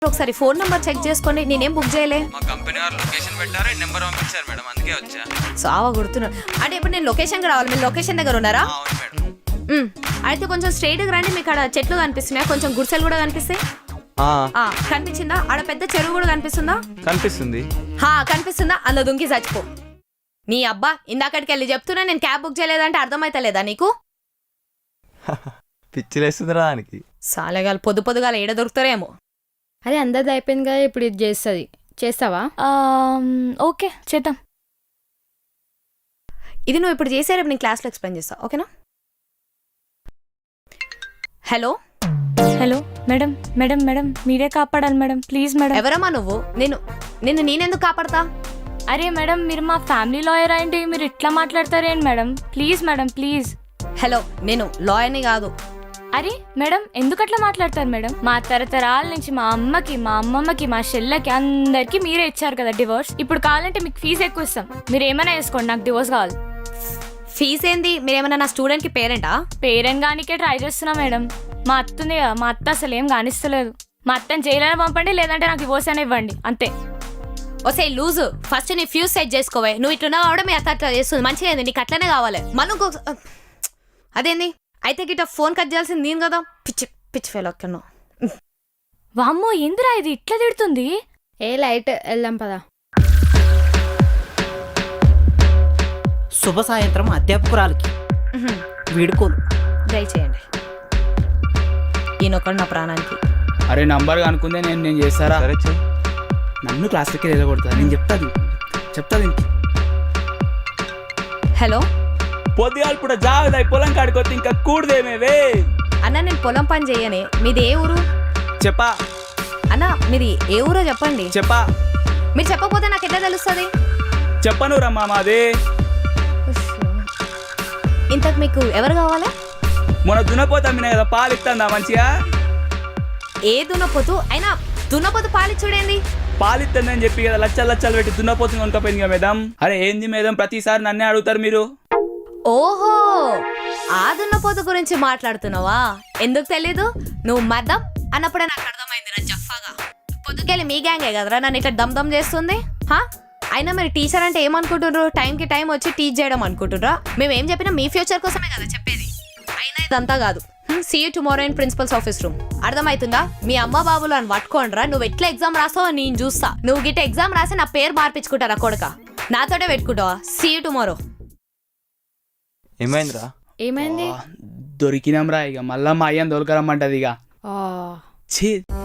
ఒకసారి phone number check చేసుకోండి. నేనేం బుక్ చేయలే. మా కంపెనీ వారు లొకేషన్ పెట్టారు, నెంబర్ పంపించారు మేడం, అందుకే వచ్చా. సావా గుర్తున్నా. అంటే ఇప్పుడు నేను లొకేషన్కి రావాలి, మీరు లొకేషన్ దగ్గర ఉన్నారా? అవును మేడం. అయితే కొంచెం స్ట్రైట్గా రండి. మీకు అక్కడ చెట్లు కనిపిస్తున్నాయా? కొంచెం గుడిసెలు కూడా కనిపిస్తాయి. కనిపించిందా? ఆడ పెద్ద చెరువు కూడా కనిపిస్తుందా? కనిపిస్తుంది. కనిపిస్తుందా? అందులో దుంకి చచ్చిపో. నీ అబ్బా ఇందాకటికి వెళ్ళి చెప్తున్నా నేను క్యాబ్ బుక్ చేయలేదంటే అర్థమైతలేదా నీకు? పిచ్చిలేస్తుందిరా దానికి. సాలేగాలు పొద్దుగాల ఏడ దొరుకుతారేమో. అదే అందరిది అయిపోయింది కదా, ఇప్పుడు ఇది చేస్తుంది. చేస్తావా? ఓకే చేద్దాం. ఇది నువ్వు ఇప్పుడు చేసే రేపు నేను క్లాస్లో ఎక్స్ప్లెయిన్ చేస్తా, ఓకేనా? Hello hello madam madam madam మీరే కాపాడాలి మేడం, ప్లీజ్ మేడం. ఎవరమ్మా నువ్వు? నేనెందుకు కాపాడతా? అరే మేడం మీరు మా ఫ్యామిలీ లాయర్ అయింది, మీరు ఇట్లా మాట్లాడతారేంటి madam? Please madam please. Hello, నేను లాయర్ని కాదు. అరే మేడం ఎందుకు అట్లా మాట్లాడతారు మేడం? మా తరతరాల నుంచి మా అమ్మకి, మా అమ్మమ్మకి, మా చెల్లెకి అందరికి మీరే ఇచ్చారు కదా డివోర్స్. ఇప్పుడు కావాలంటే మీకు ఫీజు ఎక్కువ ఇస్తాం, మీరు ఏమైనా వేసుకోండి, నాకు డివోర్స్ కావాలి. ఫీజు ఏంది? మీరేమన్నా నా స్టూడెంట్కి పేరెంటా? పేరెంట్ గానికే ట్రై చేస్తున్నా మేడం. మా అత్త ఉంది కదా, మా అత్త అసలు ఏం కానిస్తలేదు. మా అత్తని జైలైనా పంపండి, లేదంటే నాకు డివోర్స్ అయినా ఇవ్వండి, అంతే. ఓసే లూజు, ఫస్ట్ నీ ఫ్యూజ్ సెట్ చేసుకోవే. నువ్వు ఇట్లున్నావు కూడా మీ అత్త అట్లా చేస్తుంది, మంచిగా అయింది, నీకు అట్లనే కావాలి. మళ్ళీ అదేంది? అయితే గిట్ట ఫోన్ కట్ చేయాల్సింది నేను కదా. పిచ్చి పిచ్చి ఫెయిల్ అక్కను. వామ్మో ఎందురా ఇది ఇట్లా తిడుతుంది? లైట్ వెళ్దాం పదా. శుభ సాయంత్రం అధ్యాపకురాలకి వీడుకోలు. దయచేయండి. ఈయనొక్కడు నా ప్రాణానికి. అరే నంబర్ అనుకుందే నేను చేస్తారా? సరే చెయ్. నన్ను క్లాస్కి వెళ్ళకూడదు, నేను చెప్తాది. హలో, పొద్దుగా ఇప్పుడు జాగ్రత్త పొలం కాడికొచ్చి ఇంకా కూడదేమేవే. అన్న నేను పొలం పని చేయనే. మీది ఏ ఊరు? చెప్పా అన్న మీది ఏ ఊరో చెప్పండి. చెప్పా మీరు చెప్పకపోతే నాకు ఎట్లా తెలుస్తుంది? చెప్పను రమ్మా మాది. ఇంతకు మీకు ఎవరు కావాలి? మొన్న దున్నపోతా కదా, పాలు ఇస్తుందా మంచిగా? ఏ దున్నపోతు అయినా? దున్నపోతు పాలిచ్చుడేంది? పాలు ఇస్తుందని చెప్పి కదా లచ్చలు పెట్టి దున్నపోతుంది కొనుక్కపోయింది కదా మేడం. అరే ఏంది మేడం ప్రతిసారి నన్నే అడుగుతారు మీరు? ఓహో, ఆ దున్నపోతు గురించి మాట్లాడుతున్నావా? ఎందుకు తెలీదు? నువ్వు మద్దం అన్నప్పుడే నాకు అర్థమైంది రా జఫాగా. పొద్దుకెళ్ళి మీ గ్యాంగే కదరా నన్ను ఇట్లా దమ్ చేస్తుంది. అయినా మీరు టీచర్ అంటే ఏమనుకుంటున్నారు? టైంకి టైం వచ్చి టీచ్ చేయడం అనుకుంటున్నారా? మేము ఏం చెప్పినా మీ ఫ్యూచర్ కోసమే కదా చెప్పేది. అయినా ఇదంతా కాదు. See you tomorrow in principal's office room. అర్థమవుతుందా? మీ అమ్మ బాబులు అని పట్టుకోండిరా. నువ్వు ఎట్లా ఎగ్జామ్ రాస్తావో నేను చూస్తా. నువ్వు గిట్ట ఎగ్జామ్ రాసి నా పేరు మార్పించుకుంటారా కొడుక? నాతోటే పెట్టుకుంటావా? See you tomorrow. ఏమైందిరా? ఏమైంది? దొరికినాం రా, ఇక మళ్ళా మా అయ్యని దొరకరమ్మంటది ఇక. ఆ ఛీ